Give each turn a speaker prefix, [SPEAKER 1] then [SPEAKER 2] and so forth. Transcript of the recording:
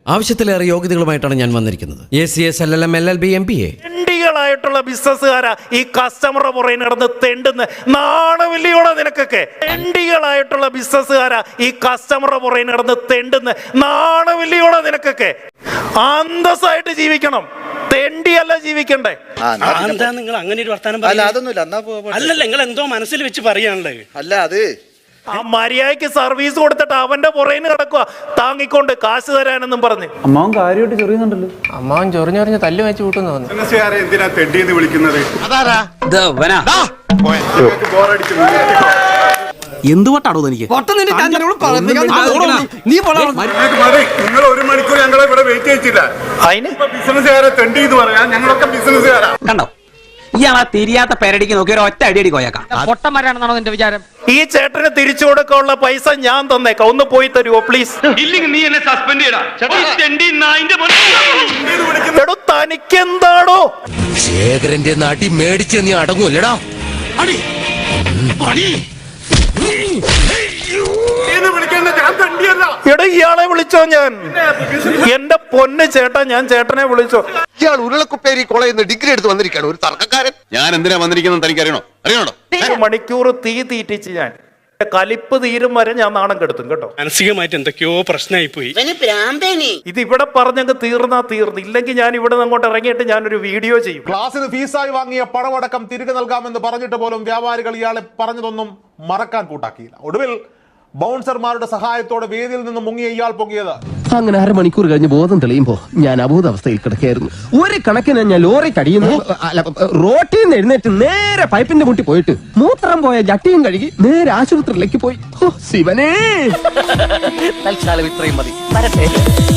[SPEAKER 1] ആവശ്യത്തിലേറെ യോഗ്യതകളുമായിട്ടാണ് ഞാൻ വന്നിരിക്കുന്നത്. ACS, LLM, LLB, MBA.
[SPEAKER 2] ായിട്ടുള്ള ബിസിനസ്സുകാരാ ഈ കസ്റ്റമറുടെ പുറകെ നടന്ന് തെണ്ടുന്ന നാണമില്ലയോടെ നിനക്കൊക്കെ. തെണ്ടികളായിട്ടുള്ള ബിസിനസ്സുകാരാ ഈ കസ്റ്റമറുടെ പുറകെ നടന്ന് തെണ്ടുന്ന നാണമില്ലയോടെ നിനക്കൊക്കെ. അന്തസ്സായിട്ട് ജീവിക്കണം, തെണ്ടിയല്ല ജീവിക്കണ്ടേ.
[SPEAKER 3] എന്താ നിങ്ങൾ അങ്ങനെ ഒരു വർത്താനം അല്ലല്ല, നിങ്ങൾ എന്തോ മനസ്സിൽ വെച്ച് പറയാനുള്ളത്.
[SPEAKER 4] അല്ല അത്
[SPEAKER 2] ആ മര്യാദയ്ക്ക് സർവീസ് കൊടുത്തിട്ട് അവന്റെ പുറകിന് കിടക്കുക താങ്ങിക്കൊണ്ട് കാശ് തരാനെന്നും പറഞ്ഞ്.
[SPEAKER 5] അമ്മാവൻ കാര്യമായിട്ട് ചൊറിയുന്നുണ്ടല്ലോ.
[SPEAKER 6] അമ്മാവൻ ചൊറിഞ്ഞൊറിഞ്ഞ് തല്ല് വെച്ച് കൂട്ടുന്നു തോന്നുന്നു.
[SPEAKER 7] എന്തിനാ തെണ്ടിന്ന് വിളിക്കുന്നത്?
[SPEAKER 1] എന്തുകൊണ്ടാണോ എനിക്ക്
[SPEAKER 7] നിങ്ങൾ 1 മണിക്കൂർ ഞങ്ങളെ ഇവിടെ വെയിറ്റ് ചെയ്യിച്ചില്ല.
[SPEAKER 2] അതിന്
[SPEAKER 7] ബിസിനസ്സുകാരെ തെണ്ടി എന്ന് പറയാ. ഞങ്ങളൊക്കെ ബിസിനസ്സുകാരാ.
[SPEAKER 8] കണ്ടോ, ഇയാളാ തിരിയാത്ത പെരടിക്ക് നോക്കി ഒരു ഒറ്റ അടിയടി കോയക്കാം.
[SPEAKER 6] പൊട്ടന്മാരാണെന്നാണോ നിന്റെ വിചാരം?
[SPEAKER 2] ഈ ചേട്ടന് തിരിച്ചു കൊടുക്കാനുള്ള പൈസ ഞാൻ തന്നേക്കാം, ഒന്ന് പോയി തരുമോ പ്ലീസ്?
[SPEAKER 8] ഇല്ലെങ്കിൽ നീ എന്നെ സസ്പെൻഡ് ചെയ്യടാ.
[SPEAKER 2] എടോ തനിക്കെന്താണോ
[SPEAKER 1] ശേഖരന്റെ നാട്ടി മേടിച്ച് നീ അടങ്ങൂല്ലടാ.
[SPEAKER 2] എടോ ഇയാളെ വിളിച്ചോ? ഞാൻ എന്റെ പൊന്ന് ചേട്ടാ, ഞാൻ ചേട്ടനെ വിളിച്ചോ?
[SPEAKER 4] ഇയാൾ ഉരുളക്കുപ്പേരി കോളേജിൽ നിന്ന് ഡിഗ്രി എടുത്ത് വന്നിരിക്കുകയാണ്, ഒരു തർക്കക്കാരൻ.
[SPEAKER 7] ഞാൻ എന്തിനാ വന്നിരിക്കുന്നത് തനിക്ക് അറിയണോ?
[SPEAKER 2] 1 മണിക്കൂർ തീ തീറ്റിച്ച് ഞാൻ കലിപ്പ് തീരും വരെ ഞാൻ നാണം കെടുത്തും കേട്ടോ.
[SPEAKER 3] മാനസികമായിട്ട് എന്തൊക്കെയോ പ്രശ്നമായി പോയി.
[SPEAKER 2] ഇത് ഇവിടെ പറഞ്ഞങ്ങ് തീർന്നു. ഇല്ലെങ്കിൽ ഞാൻ ഇവിടെ നിന്ന് അങ്ങോട്ട് ഇറങ്ങിയിട്ട് ഞാനൊരു വീഡിയോ ചെയ്യും.
[SPEAKER 9] ക്ലാസ്സിന് ഫീസായി വാങ്ങിയ പണമടക്കം തിരികെ നൽകാമെന്ന് പറഞ്ഞിട്ട് പോലും വ്യാപാരികൾ ഇയാളെ പറഞ്ഞതൊന്നും മറക്കാൻ കൂട്ടാക്കിയില്ല. ഒടുവിൽ ബൗൺസർമാരുടെ സഹായത്തോടെ വേദിയിൽ നിന്ന് മുങ്ങിയ ഇയാൾ പൊങ്ങിയത്.
[SPEAKER 10] അങ്ങനെ 1/2 മണിക്കൂർ കഴിഞ്ഞ് ബോധം തെളിയുമ്പോ ഞാൻ അബോധാവസ്ഥയിൽ കിടക്കുകയായിരുന്നു. ഒരു കണക്കിന് ഞാൻ ലോറി കടിയുന്നു, റോട്ടിൽ നിന്ന് എഴുന്നേറ്റ് നേരെ പൈപ്പിന്റെ മുട്ടി പോയിട്ട് മൂത്രം പോയ ജട്ടിയും കഴുകി നേരെ ആശുപത്രിയിലേക്ക് പോയി. ശിവനേ,
[SPEAKER 8] തൽക്കാലം ഇത്രയും മതി.